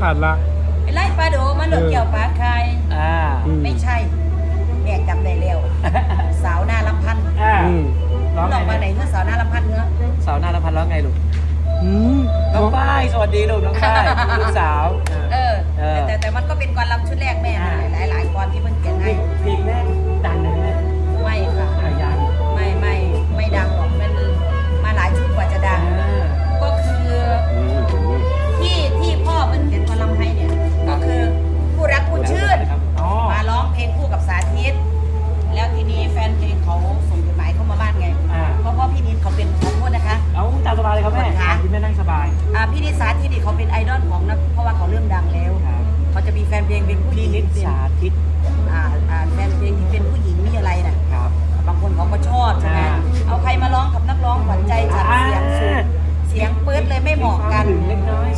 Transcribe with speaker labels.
Speaker 1: ขาดละ
Speaker 2: ไปไล่ปลาโดมาหลุดเกี่ยวปลาคายไม่ใช่แม่จำได้แล้วสาวหน้าลำพันธ์ร้องมาไหนเมื่อสาวหน้าลำพันธ์เนื้อ
Speaker 3: สาวหน้าลำพันธ์ร้องไงลูกน้องฝ้ายสวัสดีลูกน้องฝ้ายลูกสาว
Speaker 2: แต่มันก็เป็นกรลำชุดแรกแม่หลายกรที่เพิ่งเขียนให้
Speaker 3: เพลงแรกดังนะ
Speaker 2: ไม่ค่ะ
Speaker 3: ยัง
Speaker 2: ไม่ดังหรอกมันมาหลายชุดกว่าจะดังก็คือที่พ่อเพิ่งเขียนกรลำให้เนี่ยก็คือผู้รักผู้ชื่นมาร้องเพลงคู่กับสาธิตแล้วทีนี้แฟนเพลงเขาส่งจดหมายเข้ามาบ้านไงเพราะพี่นิดเขาเป็นขอโทษนะคะ
Speaker 3: เอาตามสบายเลยครับแม่พี่แม่นั่งสบาย
Speaker 2: พี่นิดสาธิตเขาเป็นไอดอลของนะเพราะว่าเขาเริ่มดังแล้วเขาจะมีแฟนเพลงเป็นผู้หญิง
Speaker 3: นิดสาธิต
Speaker 2: แฟนเพลงที่เป็นผู้หญิงมีอะไรน่ะบางคนเขาก็ชอบใช่ไหมเอาใครมาร้องกับนักร้องขวัญใจฉันเสียงสูงเสียงเปิดเลยไม่เหมาะกัน